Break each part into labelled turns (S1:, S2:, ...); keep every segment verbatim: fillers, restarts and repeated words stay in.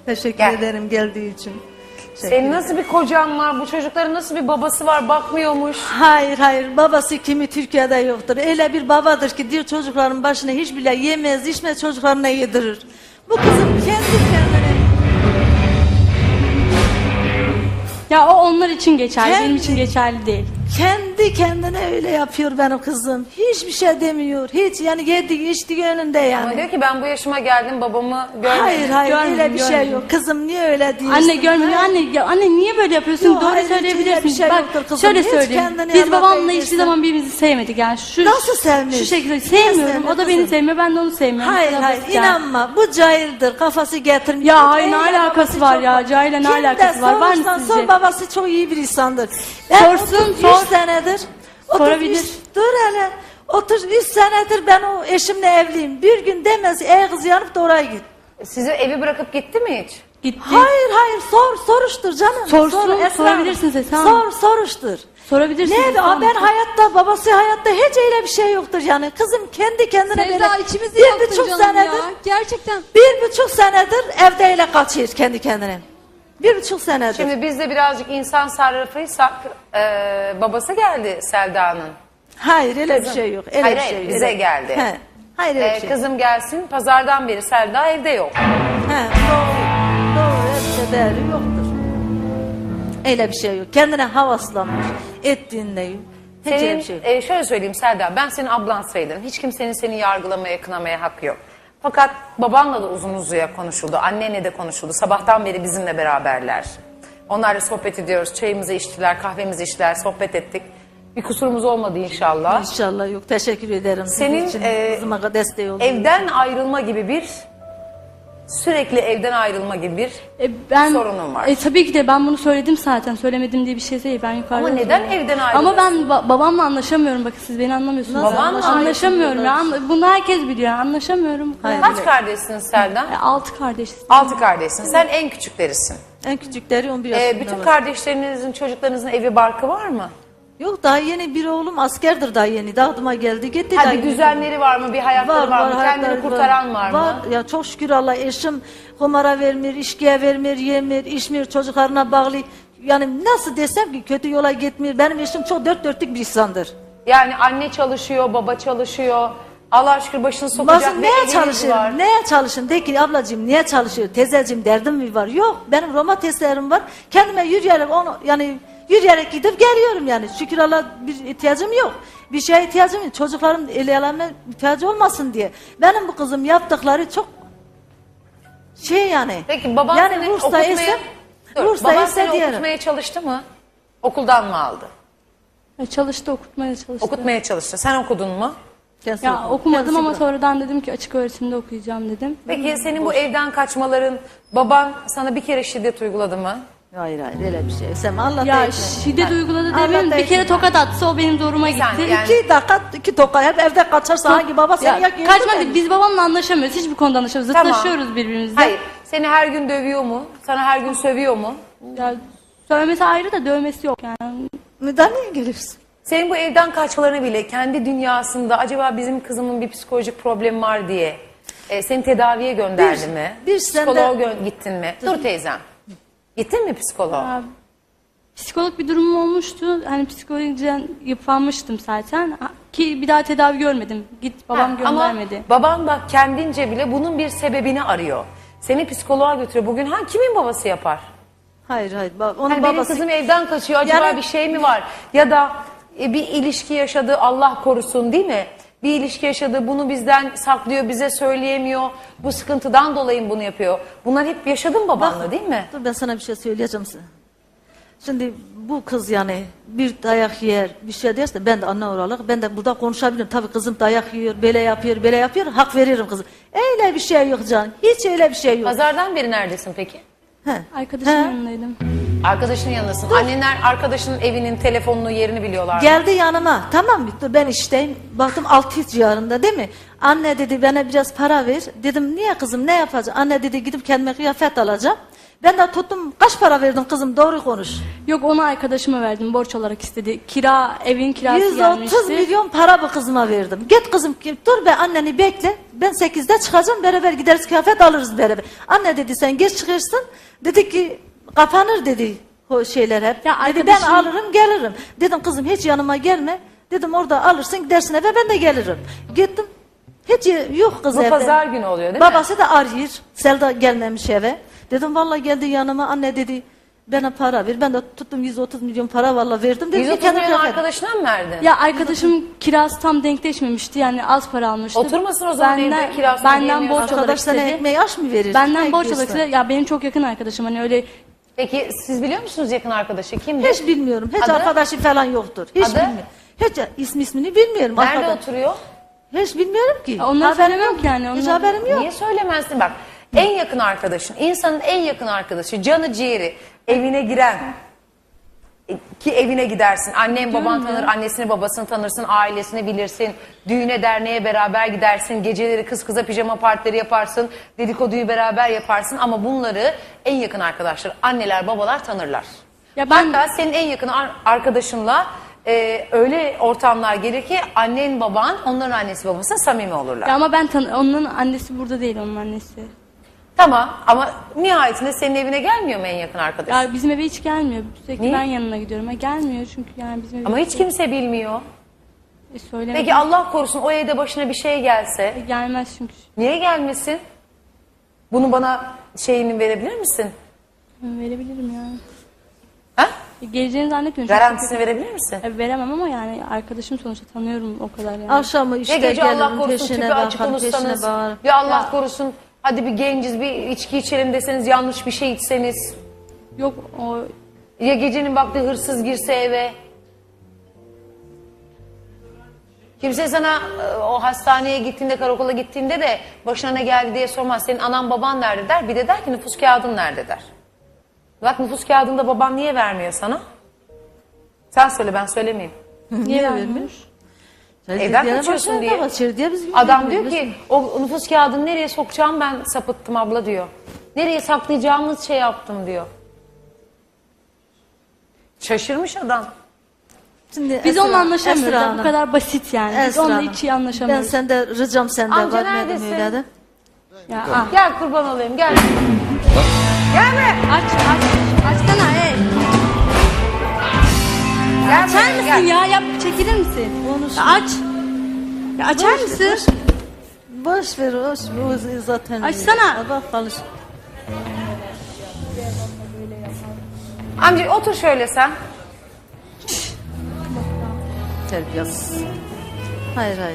S1: Teşekkür
S2: Gel.
S1: ederim geldiği için.
S2: Senin nasıl bir kocan var? Bu çocukların nasıl bir babası var? Bakmıyormuş.
S1: Hayır hayır babası kimi Türkiye'de yoktur. Öyle bir babadır ki diyor çocukların başına hiç bile yemez içmez çocuklarına yedirir. Bu kızım kendi kendine.
S3: Ya o onlar için geçerli,
S1: Kendi-
S3: benim için geçerli değil.
S1: Kendi kendine öyle yapıyor benim kızım. Hiçbir şey demiyor. Hiç yani yediği içtiği önünde yani.
S2: Ama diyor ki ben bu yaşıma geldim babamı görmedim.
S1: Hayır hayır
S3: Görmedim,
S1: öyle bir şey
S3: görmedim.
S1: yok. Kızım niye öyle diyorsun?
S3: Anne görmüyor, anne ya anne niye böyle yapıyorsun?
S1: Yok,
S3: Doğru
S1: hayır, hiç öyle
S3: söyleyebilirsin.
S1: bir şey
S3: Bak
S1: yoktur kızım.
S3: şöyle
S1: Hiç
S3: söyleyeyim.
S1: kendini
S3: Biz
S1: Allah
S3: babamla
S1: eylesin.
S3: hiçbir zaman birbirimizi sevmedik yani. Şu,
S1: Nasıl sevmiş?
S3: Şu şekilde
S1: Nasıl
S3: sevmiyorum.
S1: sevmiş
S3: O da beni
S1: kızım?
S3: sevmiyor, ben de onu sevmiyorum.
S1: Hayır
S3: Bu kadar
S1: hayır
S3: basit yani.
S1: inanma bu cahildir kafası getirmiş.
S3: Ya, hayır, ne
S1: Cahille
S3: alakası
S1: babası
S3: var
S1: çok
S3: ya? Cahille ne
S1: Kim de
S3: alakası var? Var mı
S1: sorursan
S3: sizce?
S1: Sor babası çok iyi bir insandır. Ben
S3: Sorsun,
S1: otuz üç
S3: sor.
S1: senedir.
S3: Sorabilir.
S1: otuz üç Dur hele. otuz üç senedir ben o eşimle evliyim. Bir gün demez ey kız yanıp da oraya git.
S2: Sizi evi bırakıp gitti mi hiç?
S3: Gitti.
S1: Hayır hayır sor soruştur canım.
S3: Sorsun,
S1: Sor, Esra
S3: sorabilirsiniz
S1: Hanım.
S3: Esra Hanım.
S1: Sor soruştur.
S3: Sorabilirsiniz.
S1: Ne?
S3: Esra
S1: Aa,
S3: Hanım.
S1: ben hayatta babası hayatta hiç öyle bir şey yoktur yani. Kızım kendi kendine
S4: Sevda
S1: böyle
S4: içimizi
S1: bir
S4: yaktın
S1: buçuk
S4: canım
S1: senedir
S4: ya. Gerçekten.
S1: bir buçuk senedir evde öyle kaçıyor kendi kendine. Bir buçuk senedir.
S2: Şimdi biz de birazcık insan sarrafıysak e, babası geldi Selda'nın.
S1: Hayır öyle
S2: Kızım.
S1: bir şey yok. Öyle
S2: Hayır,
S1: bir
S2: hayır,
S1: şey yok.
S2: bize
S1: Öyle-
S2: geldi.
S1: He. Hayır öyle
S2: E,
S1: bir şey.
S2: kızım gelsin pazardan beri Selda evde yok.
S1: He, doğru. Doğru öyle bir şey değeri yoktur. Öyle bir şey yok. Kendine havaslanmış. Ettiğinde yok. Hiç öyle
S2: Senin,
S1: bir şey yok.
S2: e, şöyle söyleyeyim Selda, ben senin ablan sayılırım. Hiç kimsenin seni yargılamaya, kınamaya hakkı yok. Fakat babanla da uzun uzuya konuşuldu, annenle de konuşuldu. Sabahtan beri bizimle beraberler. Onlarla sohbet ediyoruz, çayımızı içtiler, kahvemizi içtiler, sohbet ettik. Bir kusurumuz olmadı inşallah.
S1: İnşallah yok. Teşekkür ederim. Sizin
S2: Senin
S1: için
S2: e,
S1: kızıma desteği olduğunuz
S2: evden ayrılma gibi bir, sürekli evden ayrılma gibi bir
S3: E, ben,
S2: sorunum var.
S3: E, tabii ki de ben bunu söyledim zaten. Söylemedim diye bir şey değil. Ben yukarıda
S2: Ama neden
S3: söyledim.
S2: evden
S3: Ama ben
S2: ayrılıyorsun?
S3: ba- babamla anlaşamıyorum. Bakın siz beni anlamıyorsunuz.
S2: Nasıl
S3: Babanla anlaşamıyorum ya. Anla- Bunu herkes biliyor. Anlaşamıyorum.
S1: Hayır.
S2: Kaç kardeşsin Selda?
S3: E, altı kardeşiz.
S2: Altı kardeşsin. Sen en küçüklerisin.
S1: En küçükleri on bir yaşında
S2: Ee, bütün
S1: var.
S2: kardeşlerinizin, çocuklarınızın evi barkı var mı?
S1: Yok daha yeni bir oğlum askerdir daha yeni. Dağıtıma geldi gitti.
S2: Ha,
S1: daha
S2: bir
S1: yeni.
S2: düzenleri var mı? Bir hayatları var, mı?
S1: hayatları
S2: Kendini kurtaran var,
S1: Var
S2: mı?
S1: ya çok şükür Allah eşim kumara vermiyor, içkiye vermiyor, yemiyor, içmiyor, çocuklarına bağlı. Yani nasıl desem ki kötü yola gitmiyor. Benim eşim çok dört dörtlük bir insandır.
S2: Yani anne çalışıyor, baba çalışıyor. Allah şükür başını sokacak
S1: Bazı
S2: ne
S1: neye
S2: eviniz
S1: çalışıyorum?
S2: var.
S1: Neye çalışıyorum? De ki ablacığım niye çalışıyor? Teyzeciğim derdim mi var? Yok benim Roma testlerim var. Kendime yürüyerek onu yani yürüyerek gidip geliyorum yani. Şükür Allah bir ihtiyacım yok. Bir şeye ihtiyacım yok. Çocukların el elemine ihtiyacı olmasın diye. Benim bu kızım yaptıkları çok şey yani.
S2: Peki baban
S1: yani
S2: seni
S1: Bursa'da
S2: okutmaya,
S1: ise
S2: Dur,
S1: Bursa'da
S2: baban
S1: ise
S2: seni
S1: diyelim.
S2: okutmaya çalıştı mı? Okuldan mı aldı?
S3: E, çalıştı, okutmaya çalıştı.
S2: Okutmaya çalıştı. Sen okudun mu?
S1: Kendisi
S3: Ya
S1: okudu.
S3: okumadım
S1: Kendisi
S3: ama
S1: bırak-
S3: sonradan dedim ki açık öğretimde okuyacağım dedim.
S2: Peki senin bu evden kaçmaların, baban sana bir kere şiddet uyguladı mı?
S1: Hayır hayır öyle bir şey. Sen Allah
S3: Ya
S1: da etme.
S3: şiddet uyguladı
S1: Allah
S3: demeyin.
S1: da
S3: Bir kere
S1: etme.
S3: tokat atsa o benim zoruma gitti.
S2: saniye, yani-
S1: İki dakika iki toka hep evde kaçarsa hangi baba seni
S3: Ya,
S1: yakıyor?
S3: kaçmak değil, biz babamla anlaşamıyoruz. Hiçbir konuda anlaşamıyoruz.
S2: Tamam.
S3: Zıtlaşıyoruz birbirimizle.
S2: Hayır. Seni her gün dövüyor mu? Sana her gün sövüyor mu?
S3: Ya, söylemesi ayrı da dövmesi yok yani.
S1: Müdahaleye geliyorsun.
S2: Senin bu evden kaçmalarını bile kendi dünyasında acaba bizim kızımın bir psikolojik problemi var diye e, seni tedaviye gönderdi
S1: Bir-
S2: mi?
S1: bir sende-
S2: Psikoloğa gö- gittin mi? Dur teyzem. Gittin mi psikoloğa?
S3: Ya, psikolog bir durumum olmuştu. Hani psikolojiden yıpranmıştım zaten. Ha, Ki bir daha tedavi görmedim. Git babam
S2: Ha,
S3: göndermedi.
S2: Ama baban bak kendince bile bunun bir sebebini arıyor. Seni psikoloğa götürüyor. Bugün ha kimin babası yapar?
S1: Hayır hayır. Ba- Onun
S2: Hani benim
S1: babası
S2: kızım evden kaçıyor. Acaba
S1: Yani-
S2: bir şey mi var? Ya da e, bir ilişki yaşadı Allah korusun değil mi? Bir ilişki yaşadı bunu bizden saklıyor bize söyleyemiyor. Bu sıkıntıdan dolayı bunu yapıyor. Bunlar hep yaşadın babanla değil mi?
S1: Dur ben sana bir şey söyleyeceğim sana. Şimdi bu kız yani bir dayak yer, bir şey derse ben de anne olarak ben de burada konuşabilirim. Tabii kızım dayak yiyor, böyle yapıyor, böyle yapıyor. Hak veririm kızım. Öyle bir şey yok canım. Hiç öyle bir şey yok.
S2: Pazardan beri neredesin peki?
S1: He.
S3: Arkadaşımın
S1: He.
S3: yanındaydım.
S2: Arkadaşının yanındasın. Annenler arkadaşının evinin telefonunu yerini biliyorlar mı?
S1: Geldi yanıma. Tamam mı? Dur ben işteyim. Baktım altı yüz civarında değil mi? Anne dedi bana biraz para ver. Dedim niye kızım ne yapacağım? Anne dedi gidip kendime kıyafet alacağım. Ben de tuttum, kaç para verdin kızım, doğru konuş.
S3: Yok, onu arkadaşıma verdim, borç olarak istedi. Kira, evin kirası
S1: yüz
S3: gelmişti.
S1: otuz milyon para bu kızıma verdim. Git kızım, dur be, anneni bekle. Ben sekizde çıkacağım, beraber gideriz, kıyafet alırız beraber. Anne dedi, sen geç çıkırsın. Dedi ki kapanır dedi o şeyler hep.
S3: Ya
S1: dedi ben
S3: arkadaşım-
S1: alırım gelirim. Dedim kızım hiç yanıma gelme. Dedim orada alırsın gidersin eve, ben de gelirim. Gittim. Hiç yok kız
S2: Bu
S1: evde.
S2: pazar günü oluyor değil mi?
S1: Babası da arıyor. Selda gelmemiş eve. Dedim vallahi geldi yanıma, anne dedi bana para ver. Ben de tuttum yüz otuz milyon para vallahi verdim. Dedim
S2: yüz
S1: ki
S2: otuz
S1: kendim
S2: milyon
S1: kıyafet-
S2: arkadaşına mı verdin?
S3: Ya arkadaşım kirası tam denkleşmemişti, yani az para almıştı.
S2: Oturmasın o zaman
S3: Benden,
S2: evde, kirasını
S3: benden
S2: ödeyemiyorsa.
S3: borç olarak
S1: Arkadaş sana
S3: istedi.
S1: ekmeği aş mı verir?
S3: Benden
S1: Ne
S3: borç olarak
S1: ekliyorsun?
S3: istedi. Ya benim çok yakın arkadaşım, hani öyle
S2: Peki siz biliyor musunuz yakın arkadaşı kimdir?
S1: Hiç bilmiyorum. Hiç
S2: Adı?
S1: arkadaşı falan yoktur. Hiç
S2: Adı?
S1: bilmiyorum. Hiç ismi ismini bilmiyorum.
S2: Nerede
S1: arkadaş.
S2: oturuyor?
S1: Hiç bilmiyorum ki.
S3: Ya onları
S1: Haberim
S3: söylemem
S1: yok.
S3: ki yani,
S1: Hiç
S3: onları-
S1: haberim yok.
S2: Niye söylemezsin? Bak en yakın arkadaşın, insanın en yakın arkadaşı, canı ciğeri, evine giren e, ki evine gidersin. Annen baban tanır, annesini babasını tanırsın, ailesini bilirsin. Düğüne derneğe beraber gidersin. Geceleri kız kıza pijama partileri yaparsın. Dedikoduyu beraber yaparsın. Ama bunları en yakın arkadaşlar, anneler babalar tanırlar.
S3: Ya ben-
S2: Hatta senin en yakın ar- arkadaşınla e, öyle ortamlar gelir ki annen baban onların annesi babası samimi olurlar.
S3: ya ama ben tan onun annesi burada değil, onun annesi.
S2: Tamam ama nihayetinde senin evine gelmiyor mu en yakın arkadaş?
S3: Ya bizim eve hiç gelmiyor. Sürekli
S2: Niye?
S3: ben yanına gidiyorum. Ha, gelmiyor çünkü yani bizim eve
S2: Ama hiç kimse bilmiyor.
S3: E, söyleme.
S2: Peki Allah korusun o evde başına bir şey gelse
S3: Gelmez çünkü.
S2: niye gelmesin? Bunu bana şeyini verebilir misin?
S3: Verebilirim ya.
S2: Ha?
S3: E, geleceğini zannetmiyorum. çünkü
S2: Garantisini verebilir misin?
S3: çok- E, veremem ama yani arkadaşım sonuçta, tanıyorum o kadar yani.
S1: Akşamı işte
S2: Ya gece Allah
S1: gelirim
S2: korusun
S1: peşine
S2: tüpü açık
S1: bakarım, peşine
S2: unutsanız
S1: bağırırım.
S2: ya Allah korusun hadi bir genciz bir içki içelim deseniz yanlış bir şey içseniz
S3: Yok o
S2: ya gecenin vakti hırsız girse eve kimse sana e, o hastaneye gittiğinde karakola gittiğinde de başına ne geldi diye sormaz. Senin anan baban nerede der, bir de der ki nüfus kağıdın nerede der. Bak nüfus kağıdında baban niye vermiyor sana? Sen söyle ben söylemeyeyim.
S3: niye
S1: vermiyor?
S3: vermiyor?
S2: Evden
S1: Diğer
S2: kaçıyorsun
S1: başına
S2: diye.
S1: kaçır diye biz
S2: Adam diyor
S1: bilmiyoruz.
S2: ki o nüfus kağıdını nereye sokacağım ben sapıttım abla diyor. Nereye saklayacağımız şey yaptım diyor. Şaşırmış adam.
S1: Şimdi
S3: Biz
S1: Esra-
S3: onunla anlaşamıyoruz.
S1: Esra
S3: ya,
S1: Hanım,
S3: bu kadar basit yani. Biz
S1: Esra
S3: onunla
S1: Hanım,
S3: hiç iyi anlaşamıyoruz.
S1: Ben sende ricam sende
S2: Amca
S1: var. Madem
S2: neredesin?
S1: öyle de.
S3: Ya, ah.
S2: Gel kurban olayım gel. Gelme.
S3: Aç aç. Açsana ey.
S2: Gel
S3: Açar
S2: buraya,
S3: mısın
S2: gel.
S3: ya? Yap, çekilir misin?
S1: Konuş.
S3: Ya aç. Ya açar mısın?
S1: Boş ver, boş ver. O zaten.
S3: Açsana.
S1: Bak konuş.
S2: Amca otur şöyle sen.
S1: Terbiyesiz. Hayır hayır.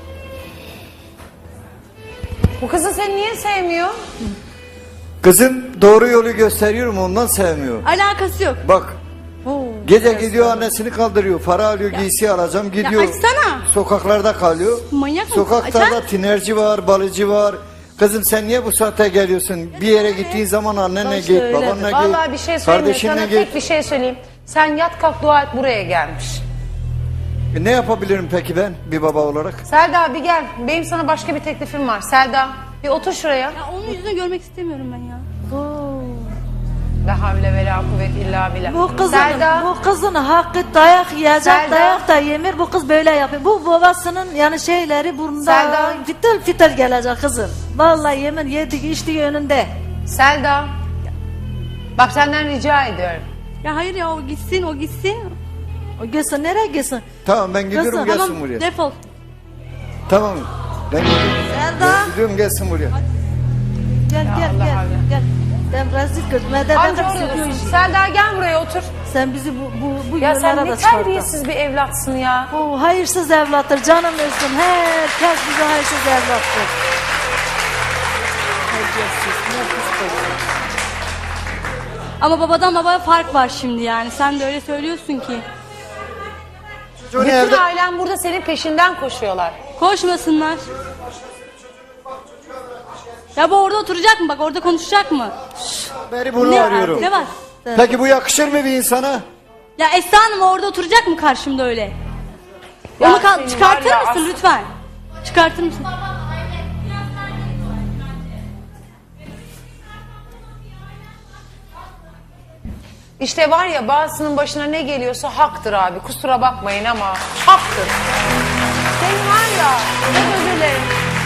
S2: Bu kızı seni niye sevmiyor?
S4: Kızım doğru yolu gösteriyorum ondan sevmiyor.
S3: Alakası yok.
S4: Bak
S1: Oo,
S4: gece gidiyor annesini kaldırıyor. Para alıyor giysi alacağım gidiyor.
S3: açsana.
S4: Sokaklarda kalıyor.
S3: Manyak mısın?
S4: Sokaklarda
S3: Açar.
S4: tinerci var, balıcı var. Kızım sen niye bu saate geliyorsun? Bir yere gittiğin zaman annenle
S1: Başta
S4: git,
S1: öyle de.
S4: babanla git.
S2: Vallahi bir şey söyleyeyim mi?
S4: kardeşinle
S2: Sana
S4: git.
S2: tek bir şey söyleyeyim. Sen yat kalk dua et buraya gelmiş.
S4: E, ne yapabilirim peki ben bir baba olarak?
S2: Selda bir gel. Benim sana başka bir teklifim var. Selda bir otur şuraya.
S3: Ya onun yüzünü görmek istemiyorum ben ya.
S2: La havle ve la kuvvet illa billah.
S1: Bu kızın,
S2: Selda.
S1: bu kızın hakkı dayak yiyecek,
S2: Selda.
S1: dayak da yemir. Bu kız böyle yapıyor. Bu babasının yani şeyleri burnunda
S2: Selda.
S1: fitil fitil gelecek kızım. Vallahi yemin yediği içtiği önünde.
S2: Selda. Bak senden rica ediyorum.
S3: Ya hayır ya, o gitsin, o gitsin.
S1: O gitsin nereye gitsin?
S4: Tamam ben gidiyorum
S1: Kızım,
S4: gelsin
S3: Tamam,
S4: buraya.
S3: defol.
S4: Tamam ben gidiyorum.
S1: Selda.
S4: Ben gidiyorum gelsin buraya.
S1: Gel gel
S2: Allah
S1: gel.
S2: Allah.
S1: Gel. Ben rezil kız. Medede
S2: Amca
S1: hep
S2: orada
S1: sıkıyor
S2: dursun.
S1: işi.
S2: Selda gel buraya otur.
S1: Sen bizi bu bu bu
S2: Ya
S1: yollara
S2: sen
S1: da
S2: ne
S1: çıkarttın.
S2: terbiyesiz bir evlatsın ya.
S1: Bu hayırsız evlattır. Canım ölsün. Herkes bize hayırsız evlattır. Terbiyesiz. Ne pis kız.
S3: Ama babadan babaya fark var şimdi yani. Sen de öyle söylüyorsun ki.
S4: Çocuğun
S2: Bütün
S4: evde...
S2: ailen burada senin peşinden koşuyorlar.
S3: Koşmasınlar. Ya bu orada oturacak mı? Bak orada konuşacak mı?
S4: Beri bunu
S3: Ne,
S4: arıyorum.
S3: ne var?
S4: Peki bu yakışır mı bir insana?
S3: Ya Esra Hanım orada oturacak mı karşımda öyle?
S2: Ya
S3: Onu kal-
S2: senin
S3: çıkartır
S2: var ya,
S3: mısın
S2: as-
S3: lütfen? Çıkartır mısın?
S2: İşte var ya bazısının başına ne geliyorsa haktır abi. Kusura bakmayın ama haktır. Senin var ya, çok özür dilerim.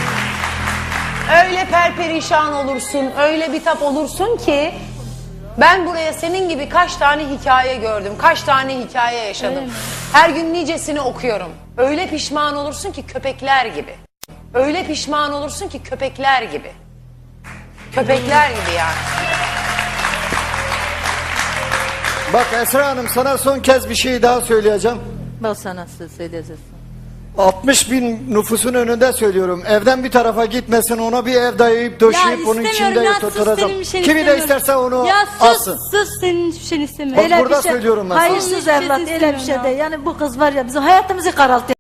S2: Öyle perperişan olursun, öyle bitap olursun ki ben buraya senin gibi kaç tane hikaye gördüm, kaç tane hikaye yaşadım. Her gün nicesini okuyorum. Öyle pişman olursun ki köpekler gibi. Öyle pişman olursun ki köpekler gibi. Köpekler gibi yani.
S4: Bak Esra Hanım, sana son kez bir şey daha söyleyeceğim.
S1: Bak sana söz söyleyeceksin.
S4: altmış bin nüfusun önünde söylüyorum. Evden bir tarafa gitmesin, ona bir ev dayayıp döşeyip onun içinde
S3: ya, sus,
S4: oturacağım.
S3: senin bir şeyini
S4: Kimi de
S3: istemiyorum.
S4: isterse onu
S3: ya, sus,
S4: alsın.
S3: sus senin hiçbir şeyini istemiyorum.
S4: Bak burada söylüyorum ben sana.
S1: Hayırsız
S3: Onun hiçbir
S1: evlat
S3: şeyini
S1: öyle bir şey
S3: istemiyorum
S1: değil. Yani bu kız var ya bizim hayatımızı kararttı.